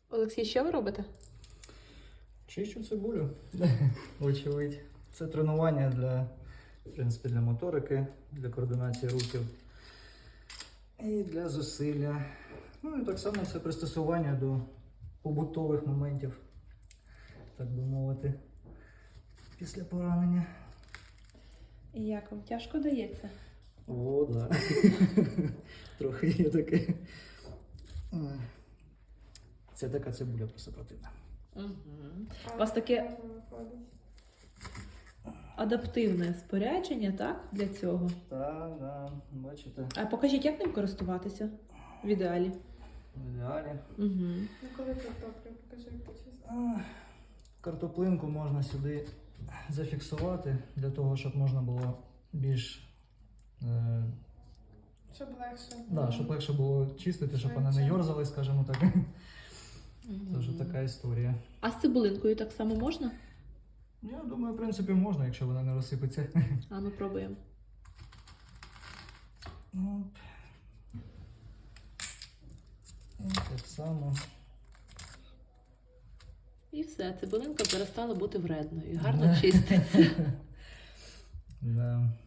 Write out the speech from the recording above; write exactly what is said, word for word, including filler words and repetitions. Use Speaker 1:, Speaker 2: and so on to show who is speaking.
Speaker 1: Олексій, що ви робите?
Speaker 2: Чищу цибулю, вочевидь. Це тренування для, в принципі, для моторики, для координації рухів і для зусилля. Ну і так само це пристосування до побутових моментів, так би мовити, після поранення.
Speaker 1: І як вам тяжко дається?
Speaker 2: О, да. Трохи є таке. Це така цибуля просто противна.
Speaker 1: Угу. У вас таке адаптивне спорядження, так, для цього?
Speaker 2: Так, да, бачите,
Speaker 1: А покажіть, як ним користуватися в ідеалі?
Speaker 2: в ідеалі.
Speaker 1: Угу.
Speaker 3: Ну коли картоплю, покажи, як почистити.
Speaker 2: А, Картоплинку можна сюди зафіксувати, для того, щоб можна було більш, е,
Speaker 3: Щоб легше.
Speaker 2: да, щоб легше було чистити, щоб вона не
Speaker 3: Швидше.
Speaker 2: йорзали, скажімо так. Це вже така історія.
Speaker 1: А з цибулинкою так само можна?
Speaker 2: Я думаю, в принципі, можна, якщо вона не розсипеться.
Speaker 1: А ну пробуємо.
Speaker 2: Оп. І так само.
Speaker 1: І все, цибулинка перестала бути вредною. Гарно чиститься.
Speaker 2: Да.